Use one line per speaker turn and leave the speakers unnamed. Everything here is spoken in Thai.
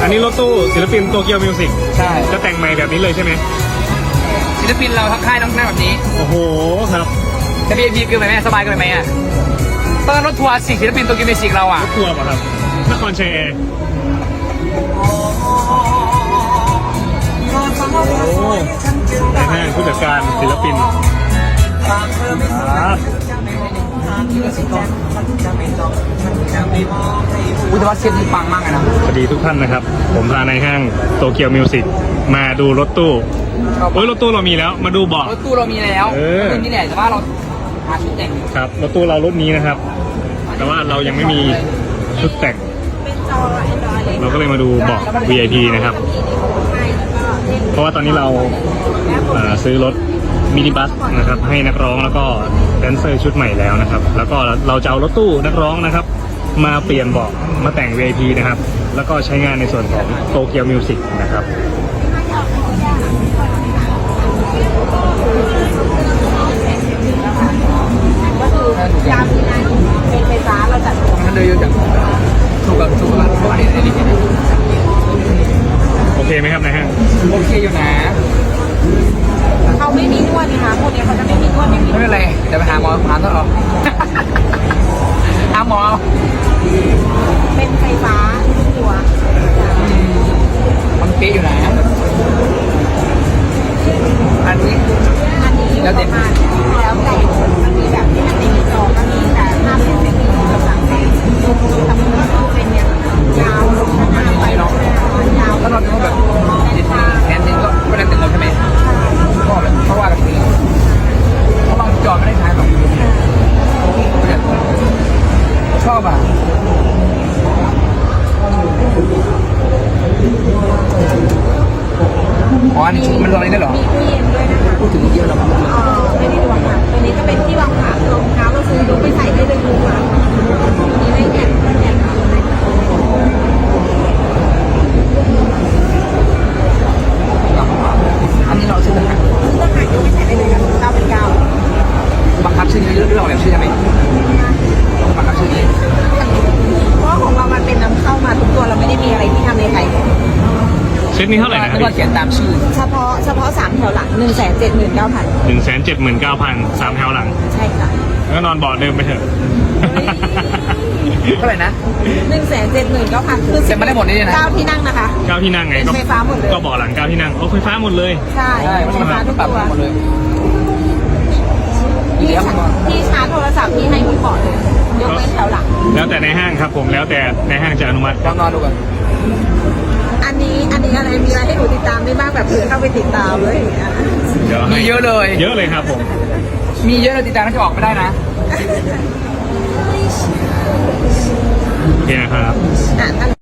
อันนี้รถตู้ศิลปินโตเกียวมิวสิก
ใช่
จะแต่งใหม่แบบนี้เลยใช่ไหม
ศิลปินเราทักค่ายต้องหน้าแบบนี้
โอ้โหครับ
จะ VIP เกินไปไหมสบายเกินไปไหมอ่ะตอนรถทัวร์ศิลปินโตเกียวมิวสิกเราอ่ะ
รถทัวร์ป่ะครับนครชัยแอร์โอ้นายห้างผู้จัดการศิลปินครับ
อุยแต่ว่าเซตนี้ปังมากเลยนะ
สวัสดีทุกท่านนะครับ ผมพานายห้างโตเกียวมิวสิกมาดูรถตู้โอ้ยรถตู้เรามีแล้วมาดูเบาะ
รถตู้เรามีแล้วรุ่นนี้แหละแต่ว่าเราหาชุดแต่ง
ครับรถตู้เรารุ่นนี้นะครับ แต่ว่าเรายังไม่มีชุดแต่ง เราก็เลยมาดูเบาะ VIP นะครับ เพราะว่าตอนนี้เราซื้อรถมินิบัสนะครับให้นักร้องแล้วก็แดนเซอร์ชุดใหม่แล้วนะครับ แล้วก็เราจะเอารถตู้นักร้องนะครับ มาเปลี่ยนเบาะมาแต่ง VIP นะครับ แล้วก็ใช้งานในส่วนของโตเกียวมิวสิกนะครับ
ก็คือการมีงานเป็นไฟฟ้าเราจัด
มันเลยอยู่จากถูกกับอันนี้
โอเคไหมครับนายห้าง
โอเคอยู่นะ
เขาไม่มีนวดนะคะพวกนี้เขาจะไม่มีนวดไม่มี
ไม่เป็นไรเดี๋ยวไปหาหมอต้นออกหาหมอ
เป็นไฟฟ้าทุกตัว
มันเป๊ะอยู่นะอันนี้
อันนี้อยู่ประมาณแล้วแต่มันมีแบบที่มันในจอก็มีแต่ถ้าเป็นเป็นกำลังเป็นแต่มันก็คือเป็นเนี่ยยาวลงหน้าไปลงยาว
ถ้าเราเป็นแบบแขนหนึ่งก็ไม่ได้เต็มหมดใช่ไหมก็แบบเพราะว่าแบบนี้เพราะบางจอไม่ได้ใช้หรอกชอบอ่ะอ๋ออันนี้ชุดมันตรงนี้ได้เหรอ
มีตู้เย็นด้วยนะคะ
พูดถึงเยอะแล้ว
ไม่ได้ดูค่ะตัวนี้ก็เป็นที่วางขารองเท้าเราซื้อยกไปใส่ได้เลยคือค่ะมีได้แอน
อันนี้เราชื่อทหาร
ซื้อต่างหากยกไปใส่ได้เลยค่ะ9เป็น9
บังคับชื่อนี้เรื่องเราแบบชื่อใช่ไหมบังคับชื่อนี้
เพราะของเรามันเป็นนำเข้ามาทุกตัวเราไม่ได้มีอะไรที่ทำในไทย
เซตนี้เท่าไหร่นะค
แล้
รับ
วก็เขียนตามชื่อ
เฉพาะ3แถวหลัง 179,000
179,000 3แถวหลัง
ใช่ค่ะ
ก็นอนเบาะเดิมไปเถอะ
เท่าไหร่นะ
179,000คือ
เซ็นมาได้หมดนี่นะ
9ที่นั่งนะคะ
9ที่นั่งไง
เป็นไฟฟ้าหมดเลย
ก็เบาะหลัง9ที่นั่งโอ้ไฟฟ้าหมดเลย
ใช่
ใช่
ไฟฟ้าทุก
ปรับ
ตัว
หมดเลย
ที่ชาร์จโทรศัพท์ที่ให้มีเบาะเลยยกเว้นแถวหลัง
แล้วแต่ในห้างครับผมแล้วแต่ในห้างจะอนุมัติ
ลองนอนดูก่อน
อันนี้อะไรมีอะไรให้หนูติดตามได้บ้างแบบเผื่อเข้าไปติดตามเลยอย่างเงี้ย
เดี๋ยว
มี
ให้
เยอะเลย
เยอะเลยครับผม
มีเยอะเลยติดตามน่าจะออกไม่ได้นะ
โอเคนะครับ
ถ้า